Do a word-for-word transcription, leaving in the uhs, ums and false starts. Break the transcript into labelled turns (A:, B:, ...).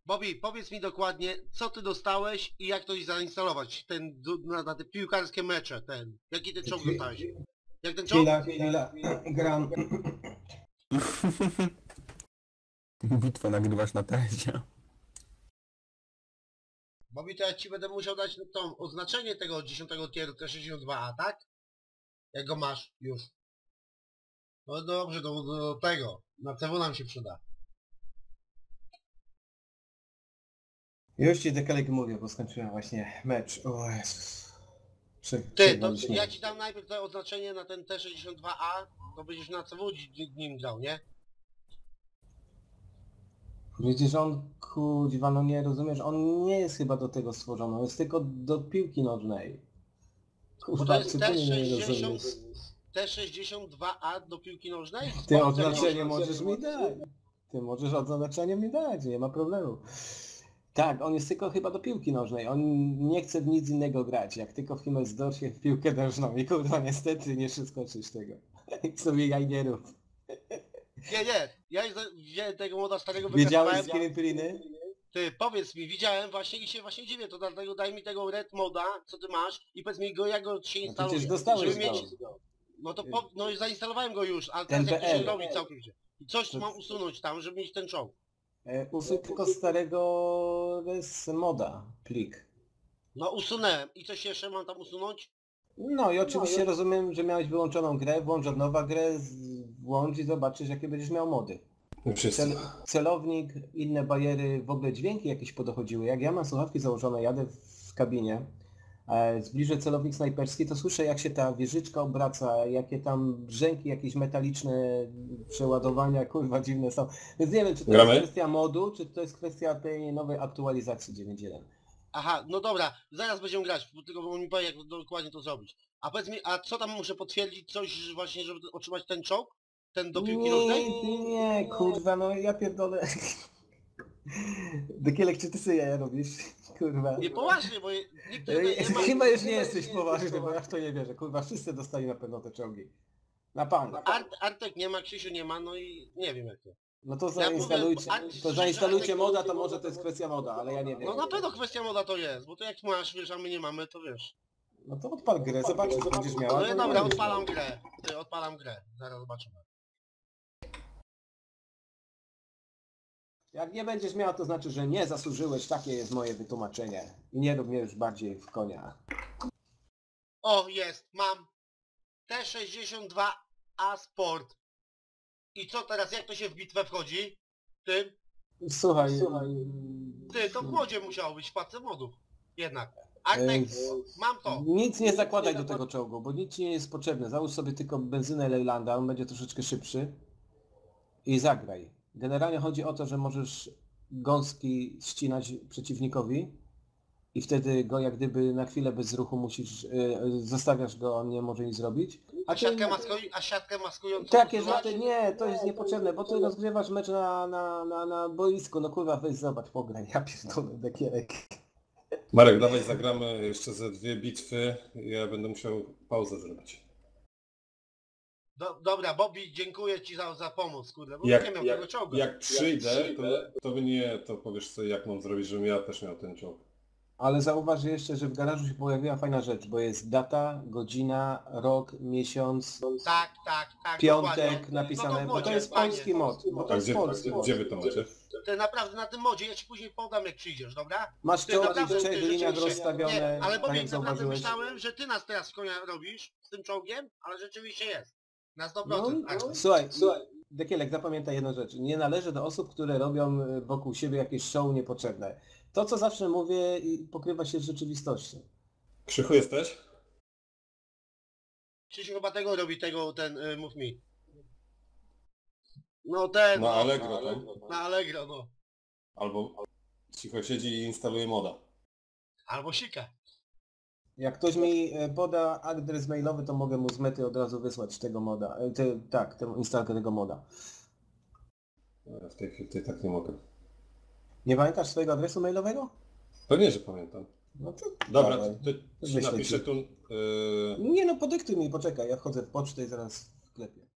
A: Bobby, powiedz mi dokładnie, co ty dostałeś i jak to zainstalować, ten, na, na te piłkarskie mecze, ten, jaki ty czołg dostałeś? Jak ten czołg?
B: Chwila, chwila, gram.
C: Bitwę nagrywasz na teście.
A: Bobby, to ja ci będę musiał dać to oznaczenie tego dziesiątego tieru T sześćdziesiąt dwa A, tak? Jak go masz już. No dobrze, do, do tego, na C W nam się przyda.
B: Już ci dekalek mówię, bo skończyłem właśnie mecz. O Jezus. Prze
A: Ty, to ja ci dam najpierw to oznaczenie na ten T sześćdziesiąt dwa A, to będziesz na C W nim grał, nie?
B: Przecież on, kuźwa, no nie rozumiesz, on nie jest chyba do tego stworzony, on jest tylko do piłki nożnej.
A: Bo
B: Kurwa,
A: to jest
B: zupełnie nie rozumiesz.
A: T sześćdziesiąt dwa A do piłki nożnej?
B: Ty oznaczenie możesz mi dać. Ty możesz oznaczenie mi dać, nie ma problemu. Tak, on jest tylko chyba do piłki nożnej, on nie chce w nic innego grać, jak tylko w Himmelsdorfie w piłkę nożną i kurwa niestety nie skoczysz tego. Sobie jaj nie rób.
A: Nie, nie, ja już wziąłem tego moda starego,
B: Wiedziałeś z
A: wykazywałem.
B: Kiripiriny?
A: Ty, powiedz mi, widziałem właśnie i się właśnie dziwię, to dlatego daj mi tego red moda, co ty masz i powiedz mi go, jak go się
B: No
A: instaluje.
B: przecież dostałeś
A: żeby
B: go.
A: mieć... No to po... no i zainstalowałem go już, ale
B: Ten
A: teraz jak to się
B: P L.
A: robi całkowicie. I coś mam usunąć tam, żeby mieć ten czołg.
B: E, usuń tylko starego z moda plik.
A: No usunąłem. I coś jeszcze mam tam usunąć?
B: No i oczywiście rozumiem, że miałeś wyłączoną grę, włącz od nowa grę, z- włącz i zobaczysz jakie będziesz miał mody.
D: Wszyscy.
B: Cel, celownik, inne bariery, w ogóle dźwięki jakieś podochodziły. Jak ja mam słuchawki założone, jadę w kabinie, e, zbliżę celownik snajperski, to słyszę jak się ta wieżyczka obraca, jakie tam brzęki jakieś metaliczne przeładowania, kurwa dziwne są. Więc nie wiem, czy to
D: Gramy?
B: jest kwestia modu, czy to jest kwestia tej nowej aktualizacji dziewięć jeden.
A: Aha, no dobra, zaraz będziemy grać, bo tylko on mi powie, jak dokładnie to zrobić. A powiedz mi, a co tam muszę potwierdzić? Coś właśnie, żeby otrzymać ten czołg? Ten do piłki nożnej?
B: Nie, nie, kurwa, no ja pierdolę. Dekielek, czy ty sobie jaja robisz? Kurwa.
A: Nie, poważnie, bo je- nikt tutaj nie ma...
B: Chyba już nie jesteś poważny, bo ja w to nie wierzę. Kurwa, wszyscy dostali na pewno te czołgi. Na pan.
A: Art, Artek nie ma, Krzysiu nie ma, no i nie wiem jak to.
B: No to
A: Ja
B: zainstalujcie,
A: mówię, a-
B: to zainstalujcie moda, to może to jest kwestia moda, ale ja nie wiem.
A: No na pewno kwestia moda to jest, bo to jak masz, wiesz, a my nie mamy, to wiesz.
B: No to odpal grę, zobaczysz, co będziesz miała.
A: No
B: to
A: i
B: nie
A: dobra,
B: będziesz
A: odpalam
B: miał.
A: grę. Ty, odpalam grę. Zaraz zobaczymy.
B: Jak nie będziesz miał, to znaczy, że nie zasłużyłeś, takie jest moje wytłumaczenie. I nie rób mnie już bardziej w konia.
A: O, jest, mam T sześćdziesiąt dwa A Sport. I co teraz, jak to się w bitwę wchodzi? Ty,
B: Słuchaj,
A: ty, to w modzie musiało być, w paczce modów. Jednak. Artek, mam to.
B: nic nie zakładaj do tego czołgu, bo nic ci nie jest potrzebne. Załóż sobie tylko benzynę Leylanda, on będzie troszeczkę szybszy. I zagraj. Generalnie chodzi o to, że możesz gąski ścinać przeciwnikowi i wtedy go jak gdyby na chwilę bez ruchu musisz, yy, zostawiasz go, on nie może nic zrobić.
A: A
B: ty-
A: siatkę, maskuj, a siatkę maskującą
B: Takie
A: usuwać?
B: rzeczy, nie, to jest niepotrzebne, bo ty rozgrywasz mecz na, na, na, na boisku, no kurwa weź zobacz, pograj, ja pierdolę, dekierek.
D: Marek, dawaj zagramy jeszcze ze dwie bitwy. Ja będę musiał pauzę zrobić.
A: Do, dobra, Bobby, dziękuję ci za, za pomoc, kurde, bo
D: Jak-
A: nie miał
D: jak-
A: tego czołgu.
D: Jak przyjdę, to, to mnie to powiesz sobie jak mam zrobić, żebym ja też miał ten czołg.
B: Ale zauważ jeszcze, że w garażu się pojawiła fajna rzecz, bo jest data, godzina, rok, miesiąc,
A: Tak, tak, tak,
B: piątek
A: dokładnie.
B: napisane,
A: No to w
B: bo to
A: modzie,
B: jest
A: fajnie.
B: polski mod, bo to
D: A
B: jest
D: gdzie,
B: polski
D: gdzie,
B: mod.
D: gdzie wy to macie?
A: Ty naprawdę na tym modzie, ja ci później podam jak przyjdziesz, dobra?
B: Masz
A: Ty
B: czołgi
A: naprawdę,
B: w trzech
A: ty
B: liniach
A: rzeczywiście-
B: rozstawione,
A: Nie, ale
B: tak
A: Bobby,
B: jak
A: naprawdę
B: zauważyłeś.
A: myślałem, że ty nas teraz w konia robisz z tym czołgiem, ale rzeczywiście jest. Na sto
B: No,
A: procent.
B: no, słuchaj, słuchaj, Dekielek, zapamiętaj jedną rzecz. Nie należy do osób, które robią y, wokół siebie jakieś show niepotrzebne. To, co zawsze mówię, i pokrywa się z rzeczywistością.
D: Krzychu jesteś?
A: Krzysiu chyba tego robi, tego, ten, y, mów mi. No ten,
D: No
A: no,
D: Allegro tam.
A: na Allegro, no.
D: Albo cicho siedzi i instaluje moda.
A: Albo sika.
B: Jak ktoś mi e, poda adres mailowy, to mogę mu z mety od razu wysłać tego moda. E, Te, tak, tę instalkę tego moda.
D: W tej chwili tak nie mogę.
B: Nie pamiętasz swojego adresu mailowego?
D: Pewnie, że pamiętam.
B: No to
D: Dobra,
B: dawaj.
D: to, to ci
B: Wyślę
D: napiszę
B: ci.
D: tu... Yy...
B: Nie no, podyktuj mi, poczekaj, ja wchodzę w pocztę i zaraz wklepię.